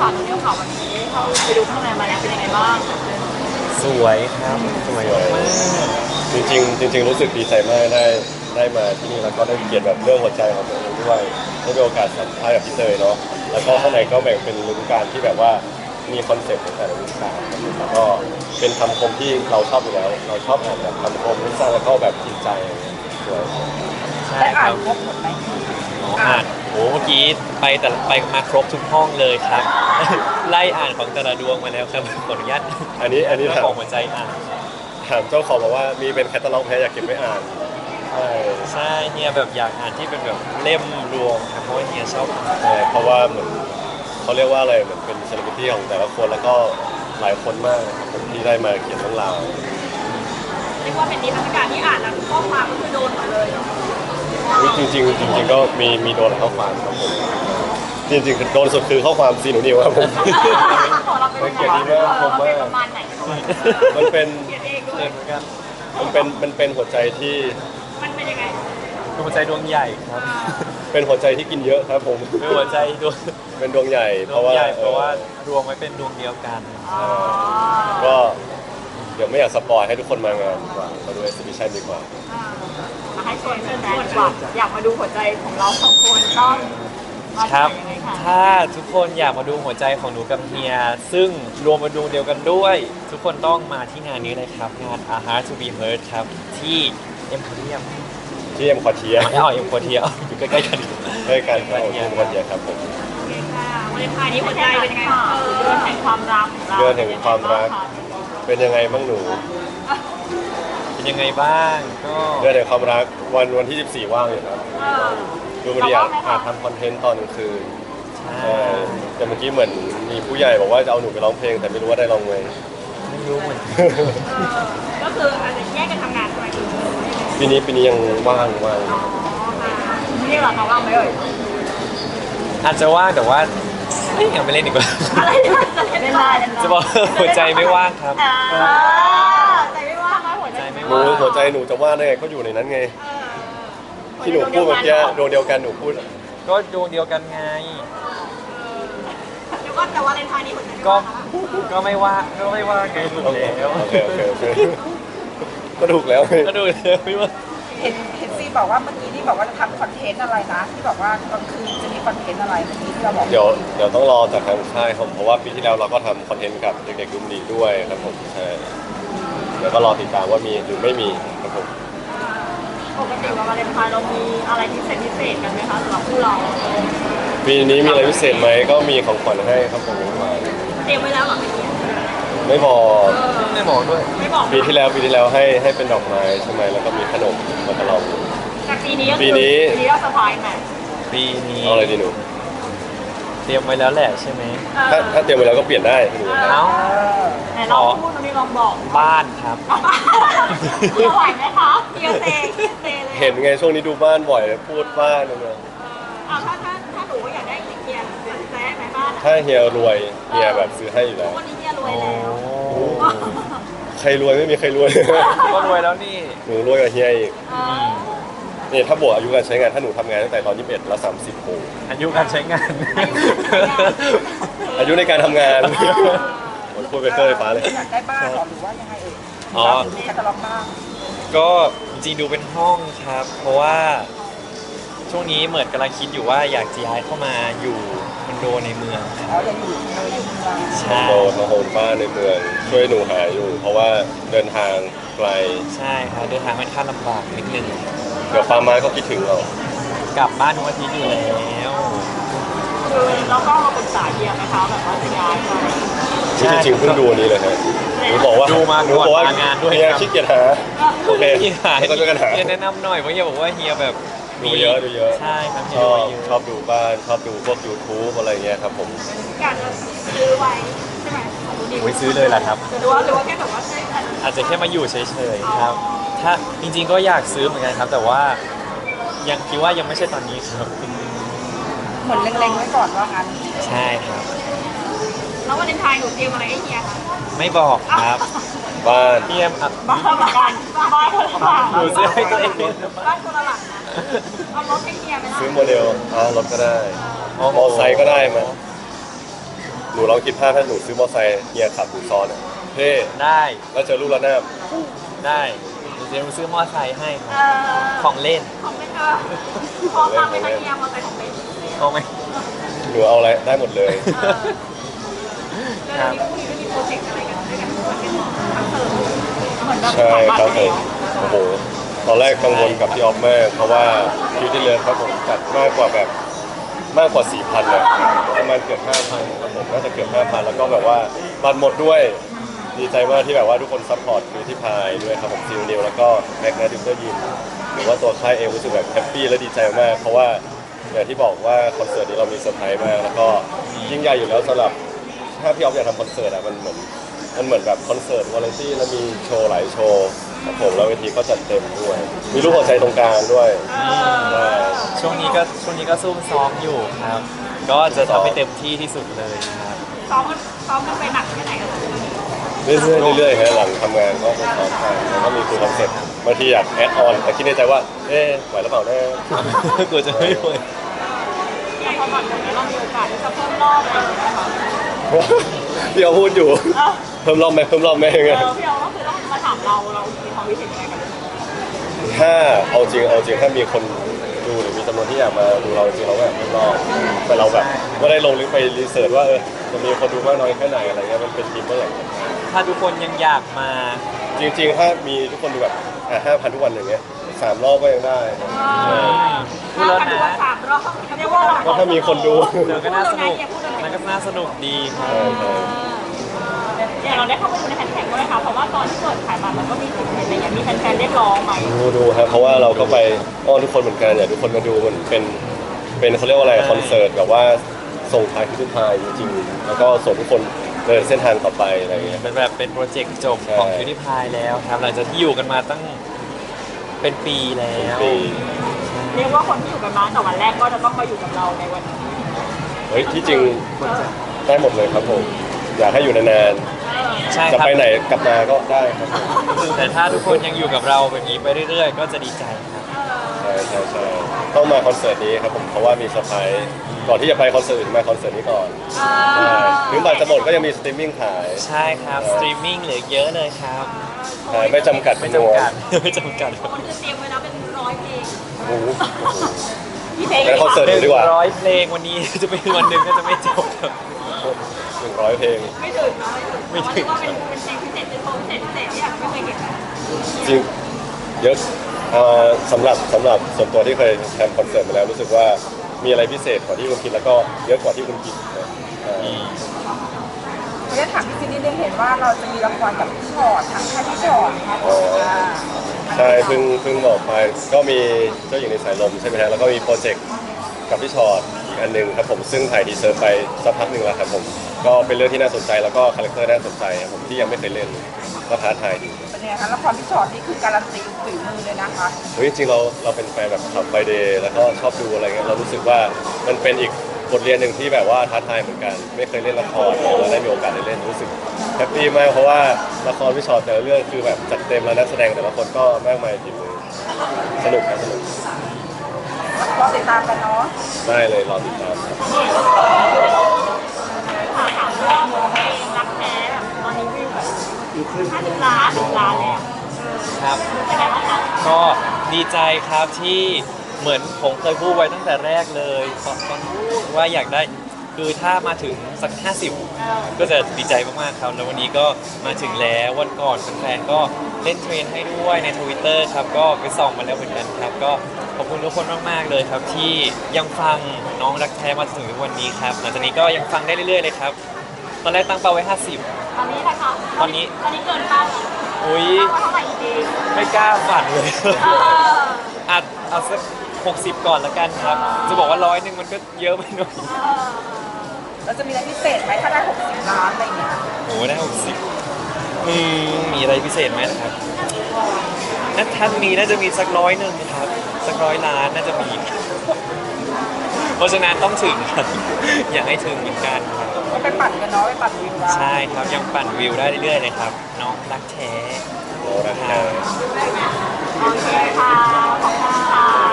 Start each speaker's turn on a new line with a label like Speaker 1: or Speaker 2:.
Speaker 1: ค่ะตอนนี้ข่าววันนี้เข้าไปดูข้างในมาแล้วเป็นยังไงบ้าง
Speaker 2: สวยครับสวยมาก
Speaker 3: จริงรู้สึกดีใจมากได้มาที่นี่แล้วก็ได้เขียนแบบเรื่องหัวใจของตัวเองด้วยได้มีโอกาสสัมภาษณ์กับพี่เตยเนาะแล้วก็ข้างในก็แบ่งเป็นฤดูกาลที่แบบว่ามีคอนเซ็ปต์ของแต่ละฤดูกาลแล้วก็เป็นคำคมที่เราชอบอยู่แล้วเราชอบอ่านแบบคำคมที่สร้างแล้วก็แบบจิตใจสวย
Speaker 2: ใช่
Speaker 1: ได้
Speaker 2: ค
Speaker 1: อ่า
Speaker 2: รั
Speaker 1: น
Speaker 2: บ
Speaker 1: ครบหมดไหม
Speaker 2: อ่านโอ้เมื่อกี้ไปมาครบทุกห้องเลยครับ ไล่อ่านของแต่ละดวงมาแล้วครับขออนุญาต
Speaker 3: อันนี้
Speaker 2: เจ้า
Speaker 3: ถาม
Speaker 2: ของหัวใจอ่าน
Speaker 3: ถามเจ้าของบอกว่ามีเป็นแคตตาล็อกแพ้อยากเก็บไว้อ่านใช่
Speaker 2: ใช่เฮียแบบอยากอ่านที่เป็นแบบเล่มรวมครับเพราะว่าเฮียชอบอ่าน
Speaker 3: ใช่เพราะว่าเหมือนเขาเรียกว่าอะไรเหมือนเป็นเซเลบริตี้ของแต่ละคนแล้วก็หลายคนมากนะครับผมที่ได้มาเขียนเรื่องราว
Speaker 1: เรียกว่าเป็นนิทรรศการที่อ่านแล้วข้อความก็คือโดนหมดเลยเนาะ
Speaker 3: จริงก็มีโดนข้อความครับผมจริงๆโดนสุดคือข้อความซีหนูนิวครับผม
Speaker 1: ของเราเป็นยังไงเราเป็นประมาณไหน
Speaker 3: มันเป็น
Speaker 1: เขียนเองด้ว
Speaker 2: เกิ
Speaker 1: ย
Speaker 2: นเหมือนกัน
Speaker 3: มันเป็นหัวใจที่
Speaker 1: มันเป็นยังไง
Speaker 2: คือหัวใจดวงใหญ่ครับ
Speaker 3: เป็นหัวใจที่กินเยอะครับผม
Speaker 2: เป็นหัวใจดวง
Speaker 3: เป็นดวงใหญ่
Speaker 2: ด
Speaker 3: เพ
Speaker 2: ว
Speaker 3: ราะ
Speaker 2: ง
Speaker 3: ว่า
Speaker 2: ใหญ่เพราะว่ารวมไว้เป็นดวงเดียวกัน
Speaker 1: อ๋อ
Speaker 3: ก็เดี๋ยวไม่อยากสปอยให้ทุกคนมางานดีกว่ามาดูเอ็กซิบิชันดีกว่า
Speaker 1: มาให้ชวนแฟนๆว่าอยากมาดูหัวใจของเราสองคนต้องมา
Speaker 2: ครับ
Speaker 1: ที่ไหนยังไงคะ
Speaker 2: ถ้าทุกคนอยากมาดูหัวใจของหนูกับเฮีย ซึ่งรวมเป็นดวงเดียวกันด้วย ทุกคนต้องมาที่งานนี้เลยครับ งาน A Heart to Be Heard ครับ ที่ Emporium
Speaker 3: ที่เอ็มคอเทีย
Speaker 2: ไม่เอาเอ็มโคเทียอยู่ใกล้ๆกันอยู่
Speaker 3: ด้วยกันครับผมที่เอ็มคอเทียครับผม
Speaker 1: โอเคค่ะวันเลนไทน์นี้หัวใจเป็นยังไงคะเดือนแห่งความรักของเรา
Speaker 3: เดือนแห่งความรัก เป็นยังไงบ้างหนู
Speaker 2: เป็นยังไงบ้างก็
Speaker 3: เดือนแห่งความรักวันที่ 14 ว่างอยู่ครับ ดูมันอยากทำคอนเทนต์ตอนกลางคืน
Speaker 2: ใช่
Speaker 3: แต่เมื่อกี้เหมือนมีผู้ใหญ่บอกว่าจะเอาหนูไปร้องเพลงแต่ไม่รู้ว่าได้ร้องไหม
Speaker 2: ไม่รู้เหมือนกัน
Speaker 1: ก็คืออาจจะแยกกันทำงานใช่ไหมคือ
Speaker 3: ปีนี้ยังว่าง
Speaker 1: อ๋อค่ะนี่เหรอคะว่างไหมเอ่ย
Speaker 2: อาจจะว่างแต่ว่าไม่อยากไปเล่นดีกว่า
Speaker 1: อะไรจะเล่นได้
Speaker 2: จะบอกหัวใจไม่ว่างครับ
Speaker 1: ใจไม่ว่างไหมหัวใจ
Speaker 2: ใจไม่
Speaker 3: หนู
Speaker 2: ว่าง
Speaker 3: หัวใจหนูจะว่างได้ไงก็อยู่ในนั้นไง ที่หนูพูดเมื่อกี้ดวงเดียวกันหนูพูด
Speaker 2: ก็ดวงเดียวกันไง
Speaker 1: เดี๋ยวก็แต่ว่าเลนไทน์นี้หัวใจ
Speaker 2: ก็ไม่ว่าไงถูกแล้ว
Speaker 3: โอเคก็ถูกแล้ว
Speaker 2: ก็ดูแล้วไม่ว่า
Speaker 4: เห็นซีบอกว่าเมื่อกี้ที่บอกว่าจะทำคอนเทนต์อะไรนะที่บอกว่ากลางคืนจะมีคอนเทนต์อะไรเมื่อกี้ที่เราบอก
Speaker 3: เดี๋ยวต้องรอจากทางค่ายครับเพราะว่าปีที่แล้วเราก็ทำคอนเทนต์กับเด็กๆดุมดีด้วยครับผมใช่เดี๋ยวก็รอติดตามว่ามีหรือไม่มีครับผม
Speaker 1: ปกติวันวาเลนไทน์เรามีอะไรพิเศษกันไหมคะสำหรับคู่เรา
Speaker 3: ปีนี้มีอะไรพิเศษไหมก็มีของขวัญให้ครับผมมา
Speaker 1: เตรียมไว้แล้วเหรอ
Speaker 3: ไม่บอก
Speaker 2: ไม่บอกด้วย
Speaker 1: ไม่บอก
Speaker 3: ปีที่แล้วให้เป็นดอกไม้ใช่ไหมแล้วก็มีขนมมาตลอด
Speaker 1: แต่ปีนี้ก็
Speaker 3: ปีนี้
Speaker 1: เราเซอร์ไพรส์ไหม
Speaker 2: ปีนี้
Speaker 3: เอาอะไรดีหนู
Speaker 2: เตรียมไว้แล้วแหละใช่ไหม
Speaker 3: ถ้าเตรียมไว้แล้วก็เปลี่ยนได้หนู
Speaker 2: เอ้า
Speaker 1: ไหนลองพูดมันนี่ลองบอก
Speaker 2: บ้านครับ
Speaker 1: เราไหวไหมคะเดียวเตเลย
Speaker 3: เห็นไงช่วงนี้ดูบ้านบ่อยพูดบ้านเนี่ย
Speaker 1: ถ้าหนูอยากได้เกียร์แซ่ไหมบ้าน
Speaker 3: ถ้าเฮียรวยเฮียแบบซื้อให้อยู่แล้ว
Speaker 1: วันนี้เฮียรวยแล้ว
Speaker 3: ใครรวยไม่มีใครรวย
Speaker 2: ก็รวยแล้วนี่
Speaker 3: หนูรวยกว่าเฮียอีกนี่ถ้าบวกอายุการใช้งานถ้าหนูทำงานตั้งแต่ตอน21แล้ว30โอ้
Speaker 2: อายุการใช้งาน
Speaker 3: อายุในการทำงานโอ้ยพูดไปเตอร์ไฟฟ้าเลย
Speaker 4: อยากได้บ้านเหรอหรือว่ายังไงเอ่ย
Speaker 2: อ๋อ
Speaker 4: หรือมีแคตตาล็อกบ้าง
Speaker 2: ก็จริงๆดูเป็นห้องครับ เพราะว่าช่วงนี้เหมือนกำลังคิดอยู่ว่าอยากจะย้ายเข้ามาอยู่คอนโดในเมืองครับ
Speaker 4: อ๋อยังอยู่ในเมือง
Speaker 2: ใช่
Speaker 3: โดนมาโฮมบ้านในเมืองช่วยหนูหาอยู่ เพราะว่าเดินทางไกล
Speaker 2: ใช่ครับเดินทางค่อนข้างลำบากนิดนึง
Speaker 3: เดี๋ยวป้าไม้ก็คิดถึงเรา
Speaker 2: กลับบ้านทุกอาทิตย์อยู่แล้ว
Speaker 1: คือเราก็มาปรึกษาเฮียไหมคะแบบว่าจะย้ายไป
Speaker 3: ที่จริงๆเพิ่งดูอันนี้เลยฮะหนูบอกว่า
Speaker 2: ดูมา
Speaker 3: หนูบอกว่า
Speaker 2: ก่อนมางานด้วย
Speaker 3: เฮีย
Speaker 2: ครับ
Speaker 3: ขี้เกียจหาโอเค
Speaker 2: เฮีย
Speaker 3: แล้วก็ช่วยกันหา
Speaker 2: เฮียแนะนำหน่อยเพราะเฮียบอกว่าเฮียแบบ
Speaker 3: ดูเยอะ
Speaker 2: ใช่ครับเฮี
Speaker 3: ช
Speaker 2: ย
Speaker 3: อ
Speaker 2: ดู
Speaker 3: บ
Speaker 2: เยอะ
Speaker 3: ชอบดูบ้านชอบดูพวก YouTube อะไรเงี้ยครับผม
Speaker 1: อยากจะซื้อไว้ใช่ไหมของดูดี
Speaker 2: โอ้ยซื้อเลยล่ะครับ
Speaker 1: หรือว่าแค่แบบว่าใช่
Speaker 2: อาจจะแค่มาอยู่เฉยๆครับ ถ้าจริงๆก็อยากซื้อเหมือนกันครับ แต่ว่ายังคิดว่ายังไม่ใช่ตอนนี้ครับ
Speaker 4: เหมือนเล็งๆไว้ก่อนว่างั้น
Speaker 2: ใช่ครับ
Speaker 1: แล้ววันเลนไทน์หนูเตรียมอะไรให้เฮียคะ
Speaker 2: ไม่บอกครับ
Speaker 3: บ้าน
Speaker 2: เฮียอ่ะ
Speaker 1: บ้านเหมือนกันบ้านคนละหลัง
Speaker 2: หนูซื้อให้ตัวเอง
Speaker 1: บ้านคนละหลังนะเอารถให้เฮียไหมล่ะ
Speaker 3: ซื้อโมเดลรถก็ได้มอไซค์ก็ได้มั้ย
Speaker 2: ม
Speaker 3: หนูลองคิดภาพถ้าหนูซื้อมอเตอร์ไซค์เฮียขับหนูซ้อนอะเท่
Speaker 2: ได้
Speaker 3: แล้วเจอลูกระนาบ
Speaker 2: ได้เดี๋ยวหนูซื้อมอไซค์ให้ค
Speaker 1: เอ
Speaker 2: รับ
Speaker 1: อ
Speaker 2: ของเล่น
Speaker 1: ของเป็นพร้อมรับไหมคะเฮียมอเตอร์ไซค์ของเป็น
Speaker 2: เอาไหม
Speaker 3: หนูเอาอะไรได้หมดเลย
Speaker 1: แล้วเดี๋ยวนี้คู่นี้ก็มีโปรเจกต์อะไรกันด้วยกันทุกคนเป็นคอนเสิร์ตเหมือนแบบ
Speaker 3: ใช่
Speaker 1: ขายบัต
Speaker 3: ครับ
Speaker 1: รไป
Speaker 3: ผม
Speaker 1: แล้ว
Speaker 3: โอ้โหตอนแรกกังวลกับพี่ออฟมากเพราะว่าคิวที่เลิฟครับผมจัดมากกว่าแบบมากกว่า 4,000นะประมาณเกือบ 5,000ครับผมน่าจะเกือบ 5,000 แล้วก็แบบว่าบัตรหมดด้วยดีใจมากที่แบบว่าทุกคนซัพพอร์ตคิวที่พายด้วยครับผมซิลนิวแล้วก็แม็กนาดิวเตอร์ยิมหรือว่าตัวค่ายเองรู้สึกแบบแฮปปี้และดีใจมากเพราะว่าอย่างที่บอกว่าคอนเสิร์ตนี้เรามีเซอร์ไพรส์มากแล้วก็ยิ่งใหญ่อยู่แล้วสำหรับถ้าพี่ออฟอยากทำคอนเสิร์ตอะมันเหมือนแบบคอนเสิร์ตวาไรตี้แล้วมีโชว์หลายโชว์ครับผมแล้วเวทีก็จัดเต็มด้วย มีรูปหัวใจตรงกลางด้วยใช่
Speaker 2: ช่วงนี้ก็ซุ่มซ้อมอยู่ครับ ก็จะทำให้เต็มที่ที่สุดเลยครับ
Speaker 1: ซ้อมกันไปหนักแค่ไหนกัน
Speaker 3: เรื่อยๆฮะหลังทำงานก็จะซ้อมไปแล้วก็มีคุยคอนเซ็ปต์บางทีอยากแอดออนแต่คิดในใจว่าเอ๊ะไหวหรือเปล่าแน่
Speaker 2: กลัวจะไม่ไหว
Speaker 1: เนี่ยพอบัตรหมดแล้วเรามีโอกาสที่จะเพิ่มรอบอะไรอย่างเงี้ยค่ะ
Speaker 3: พี่เอาพูดอยู่เพิ่มรอบไหมยังไง
Speaker 1: พี่เอาก็คือต้องมาถามเรามีความคิดเห็นยังไงกัน
Speaker 3: ถ้าเอาจริงถ้ามีคนดูหรือมีจำนวนที่อยากมาดูเราจริงเราก็อยากเพิ่มรอบแต่เราแบบไม่ได้ลงลึกไปรีเสิร์ชว่าจะมีคนดูมากน้อยแค่ไหนอะไรเงี้ยมันเป็นทีมเมื่อไหร่
Speaker 2: ถ้าทุกคนยังอยากมา
Speaker 3: จริงๆ ถ้ามีทุกคนดูแบบ5,000 ทุกวันอย่างเงี้ย3 รอบก็ยังได้
Speaker 2: พูดแล้วนะ
Speaker 1: 3 รอบเรียกว่า
Speaker 3: ก็ถ้ามีคนดู
Speaker 2: เดี๋ยวก็น่าสนุกมันก็น่าสนุกดีครับ
Speaker 1: อย่างเราได้เข้าไปดูในแฮชแท็กด้วยค่ะเพราะว่าตอนที่เปิดขายบัตรมันก็มีสิทธิ์อะไรอย่างเงี้ยมีแฟนๆเรียกร้องไหม
Speaker 3: ดูครับเพราะว่าเราก็ไปอ้อนทุกคนเหมือนกันอยากทุกคนมาดูมันเป็นเขาเรียกว่าอะไรคอนเสิร์ตแบบว่าส่งท้ายคือท้ายจริงๆแล้วก็ส่งทุกคนเดินเส้นทางต่อไปอะไรอย่างเงี้ย
Speaker 2: เป็นแบบเป็นโปรเจกต์จบ
Speaker 3: ใช่
Speaker 2: ของคิวที่พายแล้วครับ หลังจากที่อยู่กันมาตั้งเป็นปีแล้ว
Speaker 3: ปี
Speaker 1: เรียกว่าคนที่อยู่กันมาแต่วันแรกก็จะต้องมาอยู่กับเราในวันนี้
Speaker 3: เฮ้ยที่จริงได้หมดเลยครับผมอยากให้อยู่นาน
Speaker 2: ใช่
Speaker 3: ๆจะ
Speaker 2: ครับ
Speaker 3: ไปไหนกลับมาก็ได้ครับผม
Speaker 2: แต่ถ้าทุกคนยังอยู่กับเราแบบนี้ไปเรื่อยๆ ก็จะดีใจครับ
Speaker 3: ใช่ต้องมาคอนเสิร์ตนี้ครับผมเพราะว่ามีเซอร์ไพรส์ก่อนที่จะไปคอนเสิร์ตอื่นมาคอนเสิร์ตนี้ก่อนใช่ถึงบัตรจะหมดก็ยังมีสตรีมมิ่งขาย
Speaker 2: ใช่ครับ สตรีมมิ่งเหลือเยอะเลยครับ
Speaker 3: ขายไม่จำกัด
Speaker 2: ไม่จำกัด ไม่จำกัด
Speaker 1: คนจะเตรียมไว้แล้วเป็น100 เพลง
Speaker 3: โอ้โห
Speaker 1: พี่เพลง
Speaker 3: งั้นคอนเสิร์ต
Speaker 2: 100
Speaker 3: ดีกว่า
Speaker 2: เพลงวันนี้ จะเป็นวันหนึ่งก็จะไม่จบครับ
Speaker 3: 100 เพลง
Speaker 1: ไม่ถึงนะไม่ถึงว่าเป็นเพลงพิเศษเป็นโชว์พิเศษที่อาจจะไม่เคยเห็นนะ
Speaker 3: จริงเยอะสำหรับส่วนตัวที่เคยทำคอนเสิร์ตมาแล้วรู้สึกว่ามีอะไรพิเศษกว่าที่คุณคิดแล้วก็เยอะกว่าที่คุณคิดนะ
Speaker 4: เราจะถามพี่ซีนิดนึงเห็นว่าเราจะมีละครกับพี่ชอตทางค่ายพี่ชอตครับ
Speaker 3: ใช่เพิ่งบอกไปก็มีเจ้าหญิงในสายลมใช่ไหมฮะแล้วก็มีโปรเจกต์กับพี่ชอตอีกอันหนึงครับผมซึ่งถ่ายทีเซอร์ไปสักพักหนึ่งแล้วครับผมก็เป็นเรื่องที่น่าสนใจแล้วก็คาแรคเตอร์น่าสนใจครับผมที่ยังไม่เคยเล่นก็ท้าทายดี
Speaker 4: เป็นยังไงคะละครพี่ชอตนี่คือการันตีฝีมือเลยนะคะ
Speaker 3: เฮ้ยจริงๆเราเป็นแฟนแบบขับไฟเดย์แล้วก็ชอบดูอะไรเงี้ยเรารู้สึกว่ามันเป็นอีกบทเรียนหนึ่งที่แบบว่าท้าทายเหมือนกันไม่เคยเล่นละครแล้วได้มีโอกาสได้เล่นรู้สึกแฮปปี้มากเพราะว่าละครพี่ชอตแต่ละเรื่องคือแบบจัดเต็มแล้วนักแสดงแต่ละคนก็มากมายฝีมือสนุกครับสนุก
Speaker 4: รอติดตามกันเนาะ
Speaker 3: ได้เลยรอติดตามครับ
Speaker 1: ถามเรื่องเพลงรักแท้แบบตอนนี้วิวแบบ50 ล้าน10 ล้านแล้ว
Speaker 2: ครับ
Speaker 1: เป็นไงบ้างคะ
Speaker 2: ก็ดีใจครับที่เหมือนผมเคยพูดไว้ตั้งแต่แรกเลยตอนพูดว่าอยากได้คือถ้ามาถึงสัก 50 ก็จะดีใจมากๆครับแล้ววันนี้ก็มาถึงแล้ววันก่อนแฟนๆก็เล่นเทรนให้ด้วยใน Twitter ครับก็ไปส่องมาแล้วเหมือนกันครับก็ขอบคุณทุกคนมากๆเลยครับที่ยังฟังน้องรักแท้มาถึงทุกวันนี้ครับหลังจากนี้ก็ยังฟังได้เรื่อยๆเลยครับตอนแรกตั้งเป้าไว้ 50
Speaker 1: ตอนนี้นะคะ
Speaker 2: ตอนนี้
Speaker 1: เกินเป้าแล้ว
Speaker 2: อุ้ย
Speaker 1: เป้าไว้เท่าไหร่ดี
Speaker 2: ไม่กล้าฝันเลย
Speaker 1: เออ
Speaker 2: อาจเอาสัก60 ก่อนละกันครับ จะบอกว่า100มันก็เยอะไปหน่อย
Speaker 4: เราจะมีอะไรพิเศษไหมถ้าได้60 ล้านอะไรอย่างเงี้ย
Speaker 2: โอ้ได้60มีอะไรพิเศษไหมนะครับถ้ามีน่าจะมีสัก100ครับสัก100 ล้านน่าจะมี เพราะฉะนั้นต้องถึงครับ อยากให้ถึงเหมือนกันครับ
Speaker 4: ก็ไปปั่นกันเนาะไปปั่นวิวได้
Speaker 2: ใช่ครับยังปั่นวิวได้เรื่อยๆเลยครับ น้องรักแท้
Speaker 3: โอ้รักแท้
Speaker 1: โอเคค่ะ ขอบคุณค่ะ